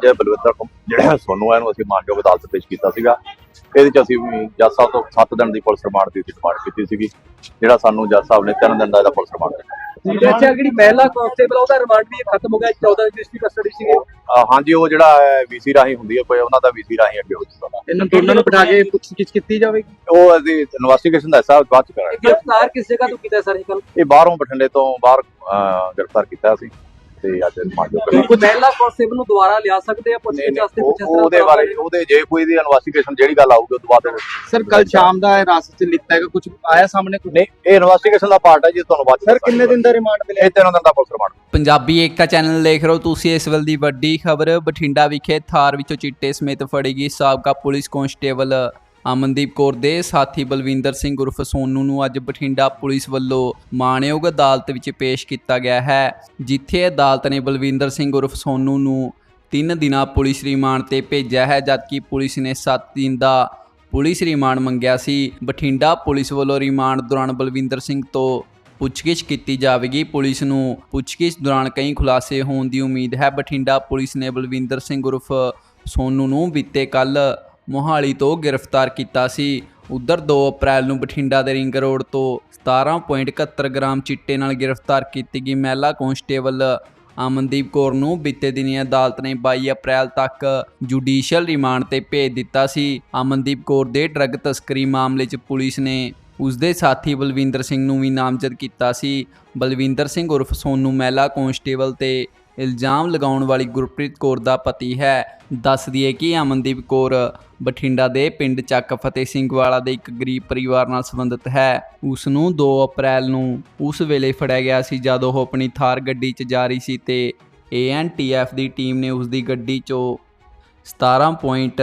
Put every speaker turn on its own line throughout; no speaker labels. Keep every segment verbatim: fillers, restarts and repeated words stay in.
ਅੱਜ ਬਲਵਿੰਦਰ ਜਿਹੜਾ ਸੋਨੂ ਹੈ ਇਹਨੂੰ ਅਸੀਂ ਮਾਨਯੋਗ ਅਦਾਲਤ ਪੇਸ਼ ਕੀਤਾ ਸੀਗਾ। ਇਹਦੇ ਚ ਅਸੀਂ ਵੀ ਜੱਜ ਸਾਹਿਬ ਤੋਂ ਸੱਤ ਦਿਨ ਦੀ ਪੁਲਿਸ ਰਿਮਾਂਡ ਦੀ ਡਿਮਾਂਡ ਕੀਤੀ ਸੀਗੀ, ਜਿਹੜਾ ਸਾਨੂੰ ਜੱਜ ਸਾਹਿਬ ਨੇ ਤਿੰਨ ਦਿਨ ਦਾ ਇਹਦਾ ਪੁਲਿਸ ਰਿਮਾਂਡ ਦਿੱਤਾ।
ਅੱਛਾ, ਜਿਹੜੀ ਪਹਿਲਾ ਕਾਂਸਟੇਬਲ ਉਹਦਾ ਰਿਮਾਂਡ ਵੀ ਖਤਮ ਹੋ ਗਿਆ, ਚੌਦਾਂ ਦੀ ਡਿਸਟ੍ਰਿਕਟ ਕਸਟਡੀ ਸੀ।
ਹਾਂਜੀ, ਉਹ ਜਿਹੜਾ ਵੀਸੀ ਰਾਹੀਂ ਹੁੰਦੀ ਹੈ ਕੋਈ ਉਹਨਾਂ ਦਾ ਵੀਸੀ ਰਾਹੀਂ ਅੱਗੇ ਹੋ ਜਾਂਦਾ।
ਇਹਨਾਂ ਦੋਨਾਂ ਨੂੰ ਬਿਠਾ ਕੇ ਪੁੱਛਗਿੱਛ ਕੀਤੀ ਜਾਵੇਗੀ।
ਉਹ ਅਸੀਂ ਇਨਵੈਸਟੀਗੇਸ਼ਨ ਦਾ ਹਿੱਸਾ ਬਾਅਦ ਚ ਕਰਾਂਗੇ।
ਗ੍ਰਿਫਤਾਰ ਕਿਸ ਜਗ੍ਹਾ ਤੋਂ ਕੀਤਾ ਸਰ?
ਇਹ ਬਾਹਰੋਂ ਬਠਿੰਡੇ ਤੋਂ ਬਾਹਰ ਗ੍ਰਿਫਤਾਰ ਕੀਤਾ ਸੀ ਤੇ ਅੱਜ ਮਾਨਯੋਗ
ਕੋਈ ਪਹਿਲਾ ਕਾਂਸਟੇਬਲ ਨੂੰ ਦੁਬਾਰਾ ਲਿਆ ਸਕਦੇ ਆ ਪੁੱਛਗਿੱਛ ਵਾਸਤੇ?
ਉਹਦੇ ਬਾਰੇ ਉਹਦੇ ਜੇ ਕੋਈ ਦੀ ਇਨਵੈਸਟੀਗੇਸ਼ਨ ਜਿਹੜੀ ਗੱਲ ਆਊਗੀ ਉਹ ਤੋਂ ਬਾਅਦ
ਸਰ ਕੱਲ ਸ਼ਾਮ ਦਾ ਰਾਸਤੇ ਚ ਲਿੱਤਾ ਹੈਗਾ, ਕੁਝ ਆਇਆ ਸਾਹਮਣੇ?
ਨਹੀਂ, ਇਹ ਇਨਵੈਸਟੀਗੇਸ਼ਨ ਦਾ ਪਾਰਟ ਹੈ ਜੀ, ਤੁਹਾਨੂੰ ਬਾਅਦ
ਸਰ ਕਿੰਨੇ ਦਿਨ ਦਾ ਰਿਮਾਂਡ ਮਿਲਿਆ?
ਇਹ ਤਿੰਨ ਦਿਨ ਦਾ police remand.
Punjabi Ekta channel ਦੇਖ ਰਹੇ ਹੋ ਤੁਸੀਂ। ਇਸ ਵੇਲੇ ਦੀ ਵੱਡੀ ਖਬਰ, ਬਠਿੰਡਾ ਵਿਖੇ ਥਾਰ ਵਿੱਚੋਂ ਚਿੱਟੇ ਸਮੇਤ ਫੜੀ ਗਈ ਸਾਬਕਾ ਪੁਲਿਸ ਕਾਂਸਟੇਬਲ ਅਮਨਦੀਪ ਕੌਰ ਦੇ ਸਾਥੀ ਬਲਵਿੰਦਰ ਸਿੰਘ ਉਰਫ ਸੋਨੂ ਨੂੰ ਅੱਜ ਬਠਿੰਡਾ ਪੁਲਿਸ ਵੱਲੋਂ ਮਾਣਯੋਗ ਅਦਾਲਤ ਵਿੱਚ ਪੇਸ਼ ਕੀਤਾ ਗਿਆ ਹੈ, ਜਿੱਥੇ ਅਦਾਲਤ ਨੇ ਬਲਵਿੰਦਰ ਸਿੰਘ ਉਰਫ ਸੋਨੂ ਨੂੰ ਤਿੰਨ ਦਿਨਾਂ ਪੁਲਿਸ ਰਿਮਾਂਡ ਤੇ ਭੇਜਿਆ ਹੈ, ਜਦਕਿ ਪੁਲਿਸ ਨੇ ਸੱਤ ਦਿਨ ਦਾ ਪੁਲਿਸ ਰਿਮਾਂਡ ਮੰਗਿਆ ਸੀ। ਬਠਿੰਡਾ ਪੁਲਿਸ ਵੱਲੋਂ ਰਿਮਾਂਡ ਦੌਰਾਨ ਬਲਵਿੰਦਰ ਸਿੰਘ ਤੋਂ ਪੁੱਛਗਿੱਛ ਕੀਤੀ ਜਾਵੇਗੀ। ਪੁਲਿਸ ਨੂੰ ਪੁੱਛਗਿੱਛ ਦੌਰਾਨ ਕਈ ਖੁਲਾਸੇ ਹੋਣ ਦੀ ਉਮੀਦ ਹੈ। ਬਠਿੰਡਾ ਪੁਲਿਸ ਨੇ ਬਲਵਿੰਦਰ ਸਿੰਘ ਉਰਫ ਸੋਨੂ ਨੂੰ ਬੀਤੇ ਕੱਲ ਮੋਹਾਲੀ ਤੋਂ ਗ੍ਰਿਫਤਾਰ ਕੀਤਾ ਸੀ। ਉਧਰ ਦੋ ਅਪ੍ਰੈਲ ਨੂੰ ਬਠਿੰਡਾ ਦੇ ਰਿੰਗ ਰੋਡ ਤੋਂ ਸਤਾਰਾਂ ਪੁਆਇੰਟ ਇਕਹੱਤਰ ਗ੍ਰਾਮ ਚਿੱਟੇ ਨਾਲ ਗ੍ਰਿਫਤਾਰ ਕੀਤੀ ਗਈ ਮਹਿਲਾ ਕਾਂਸਟੇਬਲ ਅਮਨਦੀਪ ਕੌਰ ਨੂੰ ਬੀਤੇ ਦਿਨੀ ਅਦਾਲਤ ਨੇ ਬਾਈ ਅਪ੍ਰੈਲ ਤੱਕ ਜੁਡੀਸ਼ੀਅਲ ਰਿਮਾਂਡ ਤੇ ਭੇਜ ਦਿੱਤਾ ਸੀ। ਅਮਨਦੀਪ ਕੌਰ ਦੇ ਡਰੱਗ ਤਸਕਰੀ ਮਾਮਲੇ 'ਚ ਪੁਲਿਸ ਨੇ ਉਸਦੇ ਸਾਥੀ ਬਲਵਿੰਦਰ ਸਿੰਘ ਨੂੰ ਵੀ ਨਾਮਜ਼ਦ ਕੀਤਾ ਸੀ। ਬਲਵਿੰਦਰ ਸਿੰਘ ਉਰਫ ਸੋਨੂ ਮਹਿਲਾ ਕਾਂਸਟੇਬਲ ਤੇ ਇਲਜ਼ਾਮ ਲਗਾਉਣ ਵਾਲੀ ਗੁਰਪ੍ਰੀਤ ਕੌਰ ਦਾ ਪਤੀ ਹੈ। ਦੱਸ ਦਈਏ ਕਿ ਅਮਨਦੀਪ ਕੌਰ ਬਠਿੰਡਾ ਦੇ ਪਿੰਡ ਚੱਕ ਫਤਿਹ ਸਿੰਘ ਵਾਲਾ ਦੇ ਇੱਕ ਗਰੀਬ ਪਰਿਵਾਰ ਨਾਲ ਸੰਬੰਧਿਤ ਹੈ। ਉਸ ਨੂੰ ਦੋ ਅਪ੍ਰੈਲ ਨੂੰ ਉਸ ਵੇਲੇ ਫੜਿਆ ਗਿਆ ਸੀ ਜਦੋਂ ਉਹ ਆਪਣੀ ਥਾਰ ਗੱਡੀ 'ਚ ਜਾ ਰਹੀ ਸੀ ਤੇ ਏ ਐਨ ਟੀ ਐਫ ਦੀ ਟੀਮ ਨੇ ਉਸ ਦੀ ਗੱਡੀ 'ਚੋਂ ਸਤਾਰਾਂ ਪੁਆਇੰਟ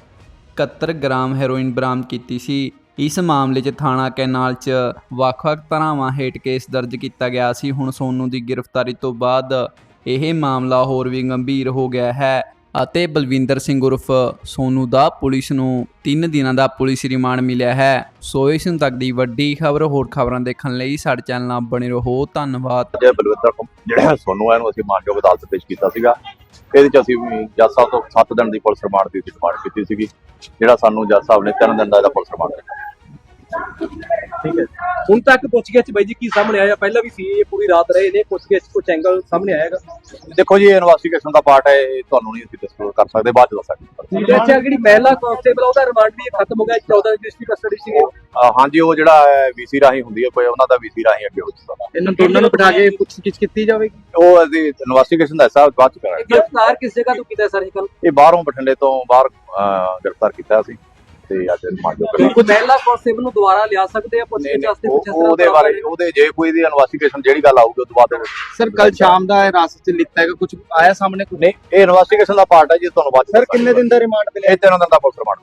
ਇਕਹੱਤਰ ਗ੍ਰਾਮ ਹੈਰੋਇਨ ਬਰਾਮਦ ਕੀਤੀ ਸੀ। ਇਸ ਮਾਮਲੇ 'ਚ ਥਾਣਾ ਕੈਨਾਲ 'ਚ ਵੱਖ-ਵੱਖ ਧਾਰਾਵਾਂ ਹੇਠ ਕੇਸ ਦਰਜ ਕੀਤਾ ਗਿਆ ਸੀ। ਹੁਣ ਸੋਨੂ ਦੀ ਗ੍ਰਿਫਤਾਰੀ ਤੋਂ ਬਾਅਦ ਇਹ ਮਾਮਲਾ ਹੋਰ ਵੀ ਗੰਭੀਰ ਹੋ ਗਿਆ ਹੈ ਅਤੇ ਬਲਵਿੰਦਰ ਸਿੰਘ ਉਰਫ ਸੋਨੂ ਦਾ ਪੁਲਿਸ ਨੂੰ ਤਿੰਨ ਦਿਨਾਂ ਦਾ ਪੁਲਿਸ ਰਿਮਾਂਡ ਮਿਲਿਆ ਹੈ। ਸੋ ਇਸ ਤੱਕ ਦੀ ਵੱਡੀ ਖਬਰ। ਹੋਰ ਖਬਰਾਂ ਦੇਖਣ ਲਈ ਸਾਡੇ ਚੈਨਲ ਨਾਲ ਬਣੇ ਰਹੋ। ਧੰਨਵਾਦ।
ਅੱਜ ਬਲਵਿੰਦਰ ਜਿਹੜਾ ਸੋਨੂ ਹੈ ਇਹਨੂੰ ਅਸੀਂ ਮਾਨਯੋਗ ਅਦਾਲਤ ਪੇਸ਼ ਕੀਤਾ ਸੀਗਾ। ਇਹਦੇ ਚ ਅਸੀਂ ਵੀ ਜੱਜ ਸਾਹਿਬ ਤੋਂ ਸੱਤ ਦਿਨ ਦੀ ਪੁਲਿਸ ਰਿਮਾਂਡ ਦੀ ਡਿਮਾਂਡ ਕੀਤੀ ਸੀਗੀ, ਜਿਹੜਾ ਸਾਨੂੰ ਜੱਜ ਸਾਹਿਬ ਨੇ ਤਿੰਨ ਦਿਨ ਦਾ ਇਹਦਾ ਪੁਲਿਸ ਰਿਮਾਂਡ ਦਿੱਤਾ।
ਠੀਕ ਹੈ, ਹੁਣ ਤੱਕ ਪੁੱਛਗਿੱਛ ਬਾਈ ਜੀ ਕੀ ਸਾਹਮਣੇ ਆਇਆ? ਪਹਿਲਾਂ ਵੀ ਸੀ ਇਹ ਪੂਰੀ ਰਾਤ ਰਹੇ ਨੇ, ਪੁੱਛਗਿੱਛ ਕੁਝ ਐਂਗਲ ਸਾਹਮਣੇ ਆਏਗਾ?
ਦੇਖੋ ਜੀ, ਇਹ ਇਨਵੈਸਟੀਗੇਸ਼ਨ ਦਾ ਪਾਰਟ ਹੈ, ਇਹ ਤੁਹਾਨੂੰ ਨਹੀਂ ਅਸੀਂ ਡਿਸਕਲੋਜ਼ ਕਰ ਸਕਦੇ, ਬਾਅਦ ਚ ਦੱਸਾਂਗੇ।
ਅੱਛਾ, ਜਿਹੜੀ ਪਹਿਲਾ ਕਾਂਸਟੇਬਲ ਉਹਦਾ ਰਿਮਾਂਡ ਵੀ ਖਤਮ ਹੋ ਗਿਆ, ਚੌਦਾਂ ਦੀ ਡਿਸਟ੍ਰਿਕਟ ਕਸਟਡੀ ਸੀ।
ਹਾਂਜੀ, ਉਹ ਜਿਹੜਾ ਵੀਸੀ ਰਾਹੀਂ ਹੁੰਦੀ ਹੈ ਕੋਈ ਉਹਨਾਂ ਦਾ ਵੀਸੀ ਰਾਹੀਂ ਅੱਗੇ ਹੋ ਜਾਂਦਾ।
ਇਹਨਾਂ ਦੋਨਾਂ ਨੂੰ ਬਿਠਾ ਕੇ ਪੁੱਛਗਿੱਛ ਕੀਤੀ ਜਾਵੇਗੀ।
ਉਹ ਅਸੀਂ ਇਨਵੈਸਟੀਗੇਸ਼ਨ ਦਾ ਹਿੱਸਾ ਬਾਅਦ ਚ ਕਰਾਂਗੇ।
ਗ੍ਰਿਫਤਾਰ ਕਿਸ ਜਗ੍ਹਾ ਤੋਂ ਕੀਤਾ ਸਰ?
ਇਹ ਬਾਹਰੋਂ ਬਠਿੰਡੇ ਤੋਂ ਬਾਹਰ ਗ੍ਰਿਫਤਾਰ ਕੀਤਾ ਸੀ ਤੇ ਅੱਜ ਮਾਨਯੋਗ।
ਕੋਈ ਪਹਿਲਾ ਕਾਂਸਟੇਬਲ ਨੂੰ ਦੁਬਾਰਾ ਲਿਆ ਸਕਦੇ ਆ ਪੁੱਛਗਿੱਛ ਵਾਸਤੇ?
ਉਹਦੇ ਬਾਰੇ ਉਹਦੇ ਜੇ ਕੋਈ ਦੀ ਇਨਵੈਸਟੀਗੇਸ਼ਨ ਜਿਹੜੀ ਗੱਲ ਆਊਗੀ ਉਹ ਤੋਂ ਬਾਅਦ
ਸਰ ਕੱਲ ਸ਼ਾਮ ਦਾ ਰਾਸਤੇ ਚ ਲਿੱਤਾ ਹੈਗਾ, ਕੁਝ ਆਇਆ ਸਾਹਮਣੇ?
ਨਹੀਂ, ਇਹ ਇਨਵੈਸਟੀਗੇਸ਼ਨ ਦਾ ਪਾਰਟ ਹੈ ਜੀ, ਤੁਹਾਨੂੰ ਬਾਅਦ।
ਸਰ ਕਿੰਨੇ ਦਿਨ ਦਾ ਰਿਮਾਂਡ ਮਿਲਿਆ?
ਇਹ ਤਿੰਨ ਦਿਨ ਦਾ ਪੁਲਿਸ ਰਿਮਾਂਡ।